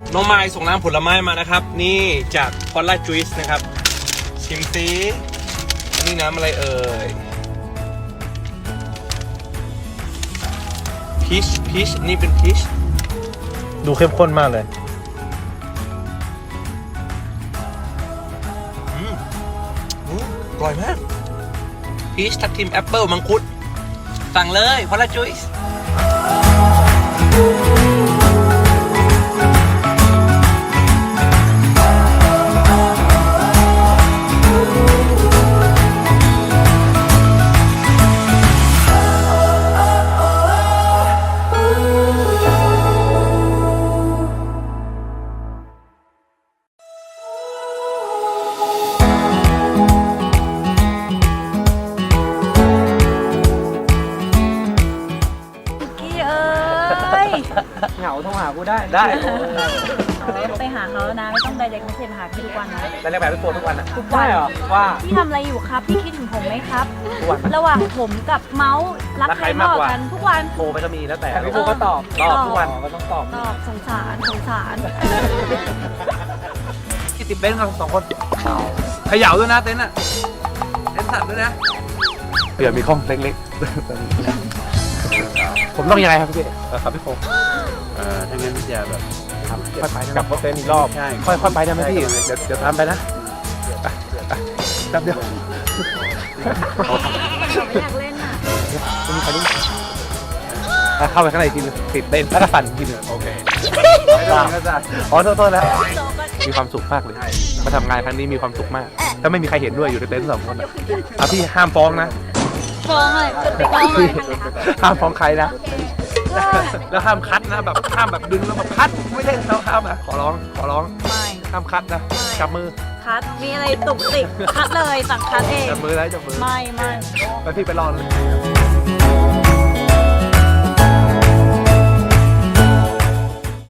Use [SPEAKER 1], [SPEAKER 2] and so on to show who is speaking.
[SPEAKER 1] น้องไมล์ส่งน้ำผลไม้มานะครับนี่จากพอลล่าจูสนะครับชิมซิอันนี้น้ำอะไรเอ่ยพีชนี่เป็นพีชดูเข้มข้นมากเลยอร่อยมากพีชทับทิมแอปเปิลมังคุดสั่งเลยพอลล่าจูส
[SPEAKER 2] เหงาโทรหากูได้
[SPEAKER 3] ไปหาเขาแล้วนะไม่ต้องไดเรกไม่เซ็นหาพี่ทุกวันนะ
[SPEAKER 2] แต่เรียกแบบพี่โฟนทุกวันอ่ะ
[SPEAKER 3] ทุกวันเหรอ
[SPEAKER 2] ว่า
[SPEAKER 3] พี่ทำอะไรอยู่ครับพี่คิดถึงผมไหมครับ
[SPEAKER 2] ทุกวัน
[SPEAKER 3] ระหว่างผมกับเมาส์รักใครมากกว่ากันทุกวัน
[SPEAKER 2] โทรไปก็มีแล้วแต่พี่โฟก็ตอบทุกวันก็ต้องตอบ
[SPEAKER 3] สงสาร
[SPEAKER 1] ที่ติดเบนซ์กัน2 คนเขย่าด้วยนะเต็นท์อ่ะเต็นท์สั่นด้วยนะเผื่อมีข้องเล็กๆผมต้องยังไงครับพี่ครับพี่โฟถ้างั้นจะแบบค่อยไปกลับรถเต็นท์อีกรอบใช่ค่อยไปได้ไหมพี่เดี๋ยวตามไปนะแป๊บเดียว
[SPEAKER 3] ไม่อยากเล่นอ่ะ
[SPEAKER 1] ไม่มีใครรู้เข้าไปข้างในทีนึงติดเต้นแล้วก็สั่นทีนึงโอเคอ๋อโทษแล้วมีความสุขมากเลยมาทำงานครั้งนี้มีความสุขมากถ้าไม่มีใครเห็นด้วยอยู่ในเต็นท์2 คนพี่ห้ามฟ้องนะ
[SPEAKER 3] ฟ้องเลยฟ้องเลย
[SPEAKER 1] ห้ามฟ้องใครนะแล้วห้ามคัดนะแบบห้ามแบบดึงแล้วแบบคัดไม่ได้เราห้ามนะขอร้อง
[SPEAKER 3] ไม่
[SPEAKER 1] ห้ามคัดนะจับมือ
[SPEAKER 3] คัดมีอะไรตุกติกคัดเลยสั่งคัดเอง
[SPEAKER 1] จับมือแล้วจับมือ
[SPEAKER 3] ไม่
[SPEAKER 1] ไปพี่ไปรอเลย